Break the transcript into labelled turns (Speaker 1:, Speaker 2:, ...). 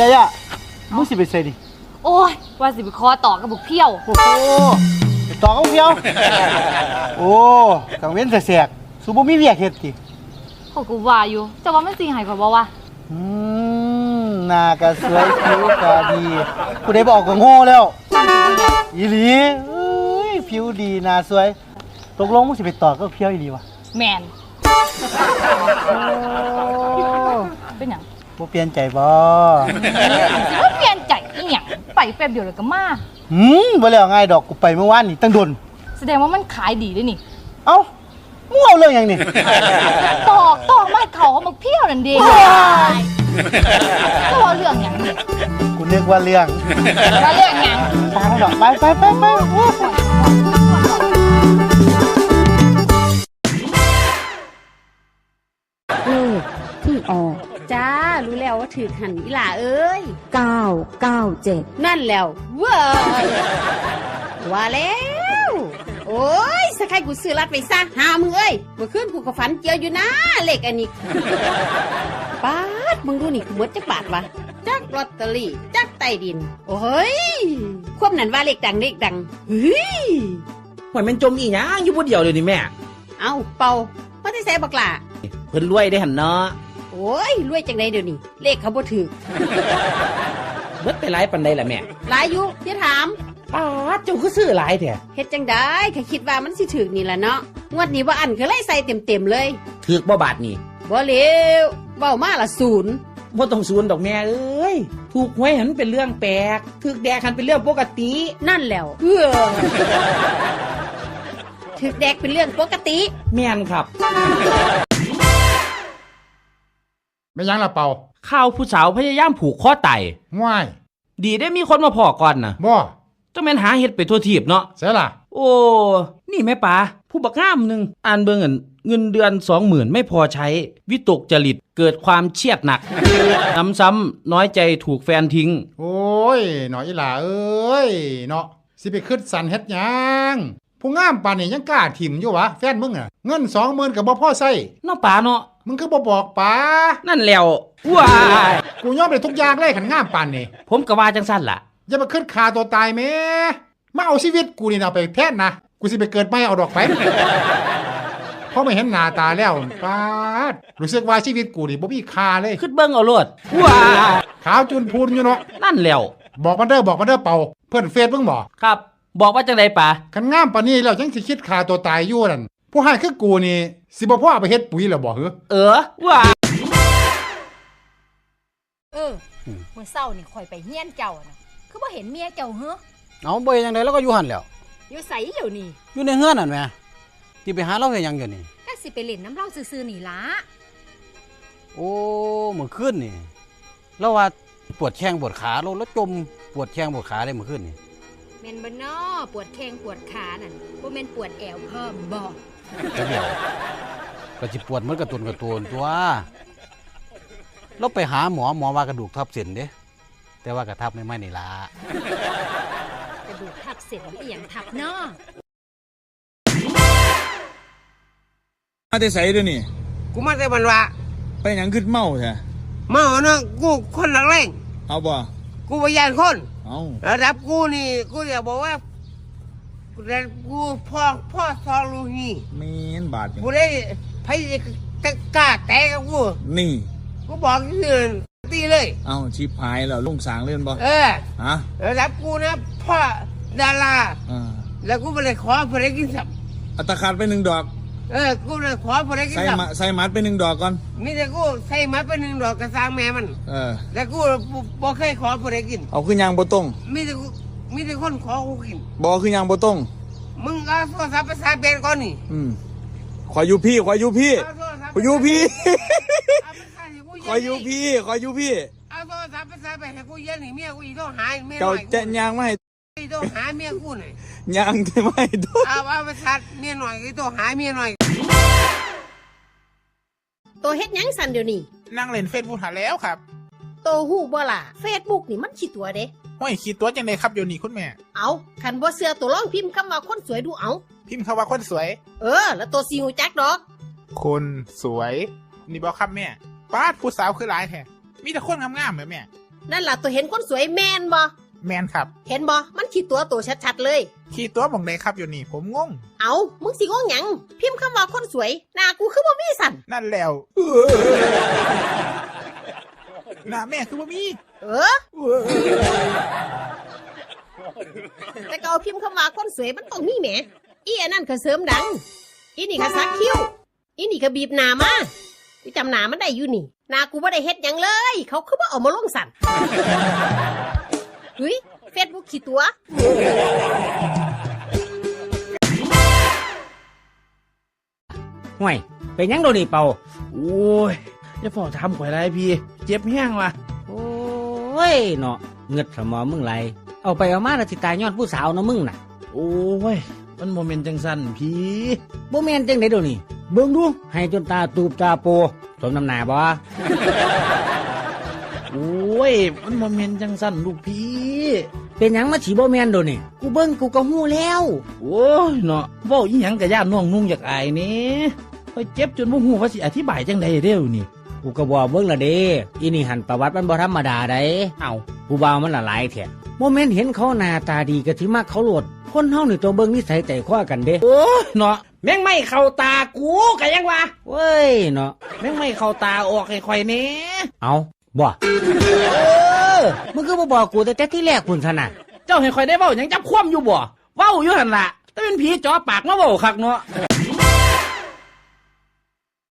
Speaker 1: ยายะมึงสิไปใส่ดิ
Speaker 2: โอ้ยว่าสิไปคอต่อกับบุกเพี้ยว
Speaker 1: โอ้โหไปต่อเขาเพียวโอ้กังเว้นแสกๆสูบ่มีเวียกเฮ็ดติ
Speaker 2: เขากูว่าอยู่จะว่ามันสิให้ข่อยบ่วะ
Speaker 1: หน้าก็สวยผิวก็ดีกูได้บอกก็โง่แล้วอีหลีเอ้ยผิวดีหน้าสวยตกลงมึงสิไปต่อกับเพียวอีหลีวะ
Speaker 2: แมน
Speaker 1: โอ้
Speaker 2: เป็นหยัง
Speaker 1: บ่เปลี่ยนใจบ่
Speaker 2: สิว่าเปลี่ยนใจอีหยังไปแป๊บเดียวแล้วก็มา
Speaker 1: บ่แล้วง่ายดอกกูไปเมื่อวานนี่ตั้งโดน
Speaker 2: แสดงว่ามันขายดีด้วยนี่
Speaker 1: เอ้ามึงเอาเรื่องหยังนี่
Speaker 2: ตอกไม้เขาเขามาเพี้ยวนั่นเด้ก็ว่าเรื่องหยังนี่
Speaker 1: กูนึกว่าเรื่อง
Speaker 2: ว่าเรื่องหยัง
Speaker 1: ตามดอกไปโอ้ย
Speaker 3: ที่ออก
Speaker 4: จ้ารู้แล้วว่าถือหันอีหล่าเอ้ย
Speaker 3: 997
Speaker 4: นั่นแล้วเว้ยว่าแล้ว โอ้ยสะใครกูซื้อรัดไปซะหามึงเอ้ยเมื่อคืนกูก็ฝันเจียวอยู่นะเลขอันนี้ปาดมึงดูนี่กูเบิดจักบาทวะจักลอตเตอรี่จักใต้ดิน โอ้ยควบนั้นว่าเลขดังเฮ้ย
Speaker 5: หวยมันจมอีหยังอยู่ผู้เดียวเลยนี่แม่
Speaker 4: เอาเป่ามาได้ใส่บักหล่า
Speaker 5: เพิ่นรวยได้หันเนาะ
Speaker 4: โอ้ยรวยจังไดเดี๋ยวนี้เลขเขาบ่ถือ
Speaker 5: เบิดไปหลายปานใดล่ะแม่
Speaker 4: หลายอยู่อย่าถาม
Speaker 5: ป้าดเจ้าคือซื้อหลายแท้
Speaker 4: เฮ็ดจังได้ข้าคิดว่ามันสิถึกนี่ล่ะเนาะงวดนี้ว่าอันคือไล่ใส่เต็มเลย
Speaker 5: ถูกบ่บาทนี่
Speaker 4: บ่เลวเว้ามาละศูนย์
Speaker 5: บ่ต้องศูนย์ดอกแม่เอ้ยถูกหวยหันเป็นเรื่องแปลกถูกแดกหันเป็นเรื่องปกติ
Speaker 4: นั่นแล้วถึกแดกเป็นเรื่องปกติ
Speaker 5: แม่นครับ
Speaker 6: ไม่ยั้งละเป่า
Speaker 5: ข่าวผู้สาวพยายามผูกคอตาย
Speaker 6: ง่าย
Speaker 5: ดีได้มีคนมาพอก่อนน่ะ
Speaker 6: บ่
Speaker 5: จังแม่นหาเฮ็ดไปทั่วทีบเนาะ
Speaker 6: เสียล่ะ
Speaker 5: โอ้นี่แม่ป๋าผู้บักงามหนึงอ่านเบิ่งอั่นเงินเดือน 20,000 ไม่พอใช้วิตกจริตเกิดความเครียดหนัก ซ้ำๆน้อยใจถูกแฟนทิ้ง
Speaker 6: โอ้ยหน่อยอีหล่าเอ้ยเนาะสิไปขึ้นสันเฮ็ดหยังผู้งามปานนี้ยังกล้าถิ่มอยู่วะแฟนมึงอ่ะเงิน 20,000ก็บ่พอใช้
Speaker 5: เนาะป๋าเนาะ
Speaker 6: มึงคือบ่บอกป๋า
Speaker 5: นั่นแล้วว้าย
Speaker 6: กูยอมได้ทุกอย่างเลยคันงามปานนี้
Speaker 5: ผมก็ว่าจังซั่นล่ะ
Speaker 6: อย่ามาขึ้นฆ่าตัวตายแม่มาเอาชีวิตกูนี่นะไปแทนนะกูสิไปเกิดใหม่เอาดอกไป เพราะไม่เห็นหน้าตาแล้วป๊าดรู้สึกว่าชีวิตกูนี่บ่มีค่าเลย
Speaker 5: ขึ้นเบิ่งเอาโลดว้าย
Speaker 6: ขาวจุนพูนอยู่เนาะ
Speaker 5: นั่นแล้ว
Speaker 6: บอกมันเด้อเป่าเพื่อนเฟซมึงบ่
Speaker 5: ครับ บอกว่าจังไดป๋า
Speaker 6: คันงามปานนี้แล้วยังสิคิดฆ่าตัวตายอยู่นั่นผู้ให้คือกูนี่สิบ่พ่อเอาไปเฮ็ดปุ๋ยแล้วบ่เหรอ
Speaker 5: ว้าย
Speaker 2: มื้อเช้านี่ข่อยไปเฮียนเจ้าน่ะคือบ่เห็นเมียเจ้าเหรอ
Speaker 1: เอาบ่เฮ็ดจังได๋แล้วก็อยู่หั่นแหล้ว
Speaker 2: อยู่ไสอยู่นี่
Speaker 1: อยู่ในเฮือนนั่นแหมที่ไปหาเราเฮ็ดหยังอยู่นี่
Speaker 2: ก็สิไปเล่นน้ำเหล้าซื่อๆนี่ล่ะ
Speaker 1: โอ้เมื่อคืนนี่เราว่าปวดแข้งปวดขาเราแล้วจมปวดแข้งปวดขาได้เมื่อคืนนี่
Speaker 2: แม่นบ่น้อปวดแข้งปวดขานั่นบ่แม่นปวดแอวเพิ่มบ่
Speaker 1: จะเดียวก็สิปวดเหมือนกระตุนตัวเราไปหาหมอว่ากระดูกทับเส้นเด้แต่ว่ากระทับไม่นี่ล่ะ
Speaker 2: กระดูกทับเส้นอีหยังทับน้อ
Speaker 7: มาแต่ใส่ด้วยนี่
Speaker 8: กูมาแต่บันวะ
Speaker 7: ไปหยังขึ้นเมาใช่
Speaker 8: เมาเนาะกูคนหลักแรง
Speaker 7: เอาบ่
Speaker 8: กูพยานคน
Speaker 7: เอา
Speaker 8: ระดับกูนี่กูอยากบอกว่าระดับกูพ่อซอลูนี่
Speaker 7: เมนบาทนี่
Speaker 8: กูได้พยจะกล้าแตะกับกู
Speaker 7: นี่
Speaker 8: กูบอกที่อื่นตีเลย
Speaker 7: เอาชิปหายแล้วลงสางเล่นบ่ ฮะ
Speaker 8: ระดับกูนะพ่อดารา
Speaker 7: อ่า
Speaker 8: แล้วกูไม่ได้ขอเพื่อกินสับ
Speaker 7: อัตราขาดไป1 ดอก
Speaker 8: กูเลยขอเพื่อกิน
Speaker 7: ใส่
Speaker 8: สับ
Speaker 7: ใส่มัดไป1 ดอกก่อน
Speaker 8: มีแต่กูใส่มาเป็น1 ดอกกระซังแม่มัน แล้วกูบ่เคยขอเพื่อกิน
Speaker 7: เอาคือยางบ่ตรง
Speaker 8: มีแต่คนขอกูกิน
Speaker 7: บ่คือยางบ่ตรง
Speaker 8: มึงเอาโทรศัพท์ภาษาเป็นก่อนนี่
Speaker 7: ขออยู่พี่
Speaker 8: เอาโทรศัพท์
Speaker 7: ขออยู่พี่
Speaker 8: เอาภาษาให้กู
Speaker 7: ขออยู่พี่
Speaker 8: เอาโทรศัพท์ภาษาไปให้กูเย็นให้เมียกูอีกต้องหาเมียห
Speaker 7: เจ้า
Speaker 8: น่อย
Speaker 7: จะยางมาให้
Speaker 8: อีกต้องหาเมียกูหน่อย
Speaker 7: ยางได้ไหมตัว
Speaker 8: เอาภาษาเมียหน่อยอีกต้องหาเมียหน่อย
Speaker 4: ตัวเฮ็ดหยังสั่นเดี๋ยวนี้
Speaker 9: นั่งเล่นเฟซบุ๊กหาแล้วครับ
Speaker 4: โตฮู้บ่ล่ะ Facebook นี่มันขี้ตัวเด้
Speaker 9: ห้อยคิดตัวจังไดครับเดี๋ยวนี้คุณแม่
Speaker 4: เอาคันบ่เชื่อตัวลองพิมพ์คำว่าคนสวยดูเอา
Speaker 9: พิมพ์คำว่าคนสวย
Speaker 4: แล้วตัวสิฮู้จักดอก
Speaker 9: คนสวย นี่บอกครับแม่ป้าดผู้สาวคือหลายแท้มีแต่คนงามๆเหมือนแม่
Speaker 4: นั่นล่ะตัวเห็นคนสวยแม่นบ่
Speaker 9: แมนครับ
Speaker 4: เห็นบ่มันขี้ตัวโตชัดๆเลย
Speaker 9: ขี่ตัวหมองใดครับอยู่นี่ผมงง
Speaker 4: เอามึงสิงงหยังพิมพ์คำว่าคนสวยหน้ากูคือบ่มีสั่น
Speaker 9: นั่นแล้วหน้าแม่คือบ่มี
Speaker 4: เออ แต่ก็เอาพิมพ์คำว่าคนสวยมันต้องมีแหมอีอันนั้นก็เสริมดังอีนี่ก็สักคิ้วอีนี่ก็บีบหน้ามากูจำหน้ามันได้อยู่นี่หน้ากูบ่ได้เฮ็ดหยังเลย เขาคือบ่เอามาลงสั่นเฮ้ยเฟซบุ๊กขี้ตัว
Speaker 10: ห่วยเป็นหยังโดนี่เป่า
Speaker 5: โอ้ยอย่าพอทำข่อยได้พี่ เจ็บแห้งว่ะ
Speaker 10: โอ้ยเนาะเงือดสมองมึงไหลเอาไปเอามาแล้วสิตายย้อนผู้สาวเนาะมึงน่ะ
Speaker 5: โอ้ยมันโมเมนต์จังสันพี่
Speaker 10: บ่แม่นจังได๋โดนี่เบิ่งดูให้จนตาตูบตาโปสมน้ำหน้าบ่
Speaker 5: โอ้ยมันโมเมนต์จังสันลูกพี่
Speaker 10: เป็นหยังมาสิบ่แม่นโดนี่กูเบิ่งกูก็ฮู้แล้ว
Speaker 5: โอ้ยเนาะเว้าอีหยังกะย่านน้องนุ่งอยากอายนี่ข่อยเจ็บจนบ่ฮู้ว่าสิอธิบายจังไดเด้อนี่
Speaker 10: กูก็บอกเบิ่งละเด้อีนี่หันประวัติมันบ่ธรรมดาได้
Speaker 5: เอ้า
Speaker 10: ผู้บ่าวมันละหลายแท้บ่แม่นเห็นเขาหน้าตาดีก็สิมักเขาโลดคนเฮานี่ตัวเบิ่งนิสัยใจคว้ากันเด้
Speaker 5: โอ้ยเนาะแม่งไม่เข้าตากูกะยังวะ
Speaker 10: เว้ยเนาะ
Speaker 5: แม่งไม่เข้าตาออกให้ข่อยแหน่
Speaker 10: เอาบ่มึงก็บ่บอกกูแต่ที่แรกพุ่นซะน่ะ
Speaker 5: เจ้าให้ข่อยได้เว้าหยังจับคว่ำอยู่บ่เว้าอยู่หั่นล่ะแต่เป็นผีจ่อปากมาเว้าคักเนาะ